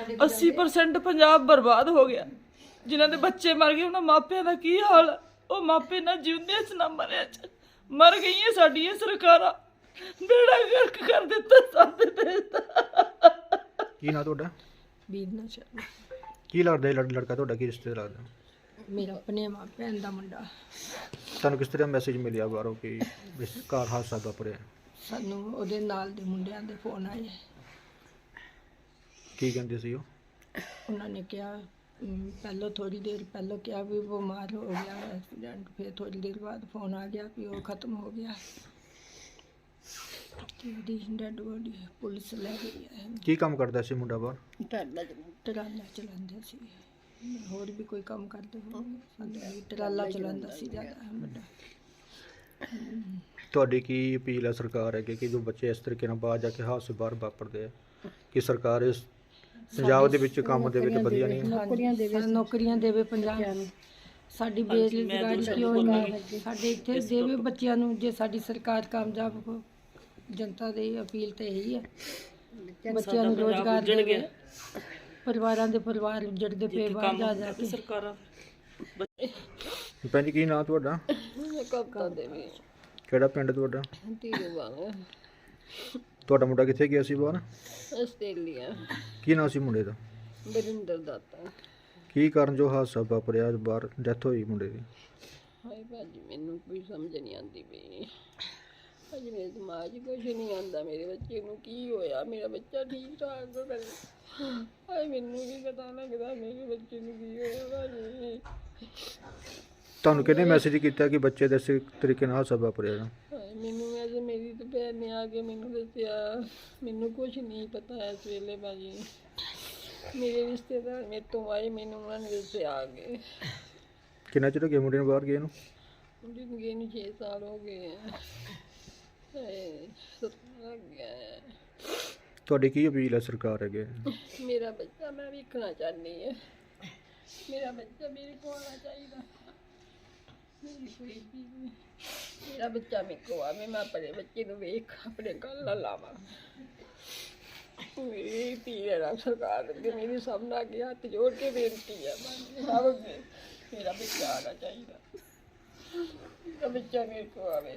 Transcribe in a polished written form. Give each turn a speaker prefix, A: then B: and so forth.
A: 80% ਪੰਜਾਬ ਬਰਬਾਦ ਹੋ ਗਿਆ। ਜਿਨ੍ਹਾਂ ਦੇ ਬੱਚੇ ਮਰ ਗਏ ਉਹਨਾਂ ਮਾਪਿਆਂ ਦਾ ਕੀ ਹਾਲ ਹੈ? ਉਹ ਮਾਪੇ ਨਾ ਜਿਉਂਦੇ ਚ ਨਾ ਮਰਿਆ ਚ ਮਰ ਗਈਆਂ ਸਾਡੀਆਂ ਸਰਕਾਰਾਂ। ਬੇੜਾ ਗਰਕ ਕਰ ਦਿੱਤਾ ਸਾਡੇ ਦੇਸ਼ ਦਾ।
B: ਕੀ ਨਾਂ ਤੁਹਾਡਾ?
C: ਬੀਰਨਾ ਸ਼ਰਮਾ।
B: ਕੀ ਲੱਗਦਾ ਇਹ ਲੜਕਾ ਤੁਹਾਡਾ, ਕੀ ਰਿਸ਼ਤੇ ਲੱਗਦਾ?
C: ਮੇਰਾ ਆਪਣੇ ਭੈਣ ਦਾ ਮੁੰਡਾ।
B: ਤੁਹਾਨੂੰ ਕਿਸ ਤਰ੍ਹਾਂ ਮੈਸੇਜ ਮਿਲਿਆ ਬਾਹਰੋਂ ਕਿ ਘਰ ਹਾਦਸਾ ਵਾਪਰਿਆ?
C: ਸਾਨੂੰ ਉਹਦੇ ਨਾਲ ਦੇ ਮੁੰਡਿਆਂ ਦੇ ਫੋਨ ਆਏ।
B: ਕੀ ਕਹਿੰਦੇ ਸੀ ਉਹ?
C: ਉਹਨਾਂ ਨੇ ਕਿਹਾ ਪਹਿਲਾਂ ਥੋੜੀ ਦੇਰ ਪਹਿਲਾਂ ਕਿਹਾ ਵੀ ਬਿਮਾਰ ਹੋ ਗਿਆ ਐਕਸੀਡੈਂਟ, ਫਿਰ ਥੋੜੀ ਦੇਰ ਬਾਅਦ ਫੋਨ ਆ ਗਿਆ ਵੀ ਉਹ ਖਤਮ ਹੋ ਗਿਆ ਤੇ ਉਹਦੀ ਡੈਡ ਬੋਡੀ ਪੁਲਿਸ ਲੈ ਗਈ ਹੈ।
B: ਕੀ ਕੰਮ ਕਰਦਾ ਸੀ ਮੁੰਡਾ ਬਾਹਰ?
C: ਟਰਾਲਾ ਚਲਾਉਂਦੇ ਸੀ, ਹੋਰ ਵੀ ਕੋਈ ਕੰਮ ਕਰਦੇ ਹੋਣਗੇ, ਸਾਡੇ ਟਰਾਲਾ ਚਲਾਉਂਦਾ ਸੀ ਜ਼ਿਆਦਾ ਵੱਡਾ।
B: ਤੁਹਾਡੀ ਕੀ ਅਪੀਲ ਹੈ ਸਰਕਾਰ ਅੱਗੇ ਕਿ ਜੋ ਬੱਚੇ ਇਸ ਤਰੀਕੇ ਨਾਲ ਬਾਹਰ ਜਾ ਕੇ ਹਾਦਸੇ ਬਾਹਰ ਵਾਪਰਦੇ ਆ, ਕਿ ਸਰਕਾਰ ਇਸ ਪੰਜਾਬ ਦੇ ਵਿੱਚ ਕੰਮ ਦੇਵੇ ਤਾਂ ਵਧੀਆ ਨਹੀਂ?
C: ਨੌਕਰੀਆਂ ਦੇਵੇ ਪੰਜਾਬ ਨੂੰ। ਸਾਡੀ ਬੇਰੁਜ਼ਗਾਰੀ ਕਿਉਂ ਨਹੀਂ? ਸਾਡੇ ਇੱਥੇ ਦੇਵੇ ਬੱਚਿਆਂ ਨੂੰ। ਜੇ ਸਾਡੀ ਸਰਕਾਰ ਕਾਮਯਾਬ ਹੋ, ਜਨਤਾ ਦੀ ਅਪੀਲ ਤੇ ਇਹੀ ਹੈ, ਬੱਚਿਆਂ ਨੂੰ ਰੋਜ਼ਗਾਰ ਦੇਵੇ। ਪਰਿਵਾਰਾਂ ਦੇ ਪਰਿਵਾਰ ਉੱਜੜਦੇ ਪਏ ਬਾਹਰ ਜਾ ਜਾ ਕੇ।
A: ਸਰਕਾਰਾਂ
B: ਭੈਣ ਜੀ ਕੀ ਨਾਂ ਤੁਹਾਡਾ?
C: ਕਵਿਤਾ ਦੇਵੀ।
B: ਕਿਹੜਾ ਪਿੰਡ ਤੁਹਾਡਾ?
C: ਧੀਰੂਵਾਲ।
B: ਤੁਹਾਡਾ ਮੁੰਡਾ ਕਿੱਥੇ ਗਿਆ ਸੀ ਬਾਹਰ?
C: ਆਸਟ੍ਰੇਲੀਆ।
B: ਕੀ ਨਾਂ ਸੀ ਮੁੰਡੇ ਦਾ?
C: ਬਰਿੰਦਰ ਦਾਤਾ।
B: ਕੀ ਕਾਰਨ ਜੋ ਹਾਦਸਾ ਵਾਪਰਿਆ, ਬਾਹਰ ਡੈਥ ਹੋਈ ਮੁੰਡੇ ਦੀ?
C: ਹਾਏ ਭਾਜੀ ਮੈਨੂੰ ਕੋਈ ਸਮਝ ਨਹੀਂ ਆਉਂਦੀ ਪਈ। ਅੱਜ ਮੇਰੇ ਦਿਮਾਗ 'ਚ ਕੁਛ ਨਹੀਂ ਆਉਂਦਾ। ਮੇਰੇ ਬੱਚੇ ਨੂੰ ਕੀ ਹੋਇਆ? ਮੇਰਾ ਬੱਚਾ ਠੀਕ ਠਾਕ ਹੋ ਕਰੇ। ਹਾਏ ਮੈਨੂੰ ਨਹੀਂ ਪਤਾ ਲੱਗਦਾ ਮੇਰੇ ਬੱਚੇ ਨੂੰ ਕੀ ਹੋਇਆ ਭਾਜੀ।
B: ਤੁਹਾਨੂੰ ਕਿਹਨੇ ਮੈਸੇਜ ਕੀਤਾ ਕਿ ਬੱਚੇ ਦੇ ਇਸ ਤਰੀਕੇ ਨਾਲ ਹਾਦਸਾ ਵਾਪਰਿਆ?
C: ਹਾਏ ਮੈਨੂੰ ਅੱਜ ਮੇਰੀ ਤਾਂ ਭੈਣ ਨੇ ਆ ਕੇ ਮੈਨੂੰ ਦੱਸਿਆ। ਮੈਨੂੰ ਕੁਛ ਨਹੀਂ ਪਤਾ ਇਸ ਵੇਲੇ ਭਾਜੀ। ਮੇਰੇ ਰਿਸ਼ਤੇਦਾਰ ਮੇਰੇ ਤੋਂ ਆਏ, ਮੈਨੂੰ ਉਹਨਾਂ ਨੇ ਦੱਸਿਆ ਆ ਕੇ।
B: ਕਿੰਨਾ ਚਿਰ ਹੋ ਗਿਆ ਮੁੰਡੇ ਨੂੰ ਬਾਹਰ ਗਏ ਨੂੰ?
C: ਮੁੰਡੇ ਨੂੰ ਗਏ ਨੂੰ 6 ਸਾਲ ਹੋ ਗਏ ਆ। ਲੱਗ ਗਿਆ।
B: ਤੁਹਾਡੀ ਕੀ ਅਪੀਲ ਹੈ ਸਰਕਾਰ ਅੱਗੇ?
C: ਮੇਰਾ ਬੱਚਾ ਮੈਂ ਵੇਖਣਾ ਚਾਹੁੰਦੀ ਹਾਂ। ਮੇਰਾ ਬੱਚਾ ਮੇਰੇ ਕੋਲ ਆਉਣਾ ਚਾਹੀਦਾ। ਮੇਰੀ ਕੋਈ ਵੀ ਨਹੀਂ। ਮੇਰਾ ਬੱਚਾ ਮੇਰੇ ਕੋਲ ਆਵੇ, ਮੈਂ ਆਪਣੇ ਬੱਚੇ ਨੂੰ ਵੇਖ ਆਪਣੇ ਗੱਲ ਨਾਲ ਲਾਵਾਂ। ਮੇਰੀ ਧੀ ਹੈ ਸਰਕਾਰ ਅੱਗੇ, ਮੇਰੀ ਸਭ ਨਾਲ ਅੱਗੇ ਹੱਥ ਜੋੜ ਕੇ ਬੇਨਤੀ ਹੈ ਸਭ ਅੱਗੇ, ਮੇਰਾ ਬੱਚਾ ਆਉਣਾ ਚਾਹੀਦਾ। ਮੇਰਾ ਬੱਚਾ ਮੇਰੇ ਕੋਲ ਆਵੇ।